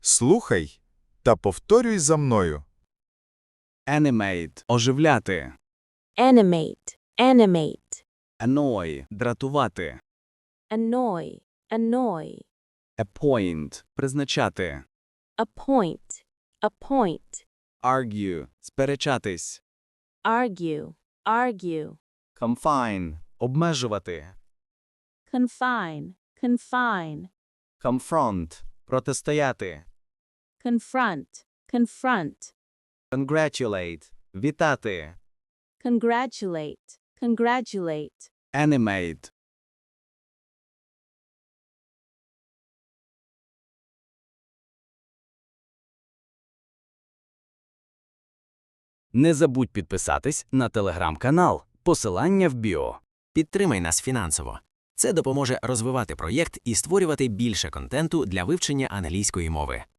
Слухай та повторюй за мною. Animate – оживляти. Animate. Animate. Annoy – дратувати. Annoy. Annoy. Appoint – призначати. Appoint. Appoint. Argue – сперечатись. Argue. Argue. Confine – обмежувати. Confine. Confine. Confront – протистояти. Confront. Confront. Congratulate – вітати. Congratulate. Congratulate. Animate – Не забудь підписатись на телеграм-канал. Посилання в біо. Підтримай нас фінансово. Це допоможе розвивати проєкт і створювати більше контенту для вивчення англійської мови.